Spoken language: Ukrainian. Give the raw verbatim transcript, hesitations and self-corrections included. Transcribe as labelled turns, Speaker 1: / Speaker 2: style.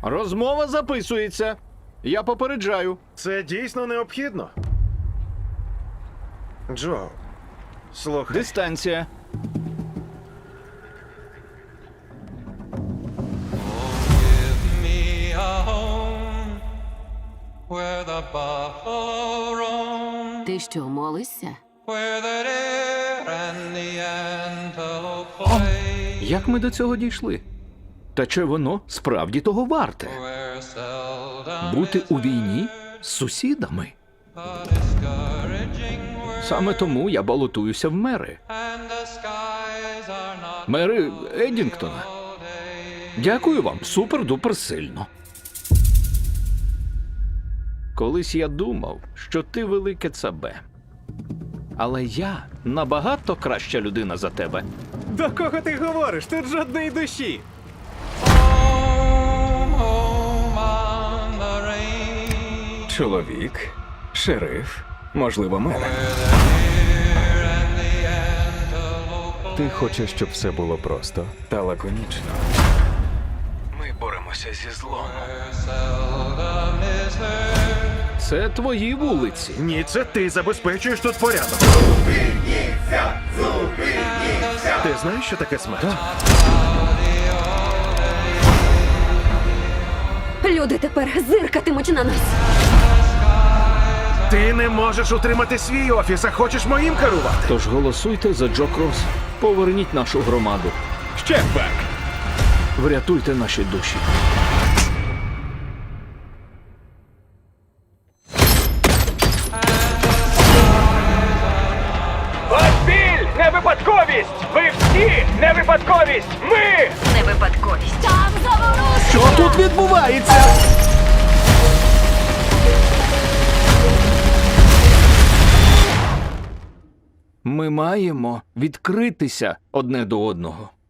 Speaker 1: Розмова записується. Я попереджаю.
Speaker 2: Це дійсно необхідно. Джо, слухай.
Speaker 1: Дистанція.
Speaker 3: Me a home where the buffalo roam,
Speaker 4: Ти що, молишся?
Speaker 3: where the deer and the antelope play,
Speaker 1: Як ми до цього дійшли? Та чи воно справді того варте?
Speaker 3: where seldom
Speaker 1: Бути
Speaker 3: is
Speaker 1: у війні з сусідами?
Speaker 3: a discouraging word,
Speaker 1: Саме тому я балотуюся в мери.
Speaker 3: and the skies are not
Speaker 1: Мери Еддінгтона.
Speaker 3: all day.
Speaker 1: Дякую вам, супер-дупер сильно. Колись я думав, що ти велике цабе. Але я набагато краща людина за тебе.
Speaker 2: До кого ти говориш? Тут жодної душі.
Speaker 3: Home, home on the range,
Speaker 5: Чоловік, шериф, можливо, мер.
Speaker 3: deer and the antelope
Speaker 5: Ти хочеш, щоб все було просто та лаконічно. Ми боремося зі злом.
Speaker 3: seldom is heard.
Speaker 1: Це твої вулиці.
Speaker 2: Ні, це ти забезпечуєш тут порядок. Ти знаєш, що таке смерть?
Speaker 4: Люди тепер зиркатимуть на нас.
Speaker 2: Ти не можеш утримати свій офіс, а хочеш моїм керувати.
Speaker 1: Тож голосуйте за Джо Кросс. Поверніть нашу громаду.
Speaker 2: Ще бек.
Speaker 1: Врятуйте наші душі.
Speaker 6: Ваш біль – не випадковість! Ви всі не випадковість! Ми!
Speaker 4: Не випадковість. Там заворушення!
Speaker 1: Що тут відбувається? Ми маємо відкритися одне до одного.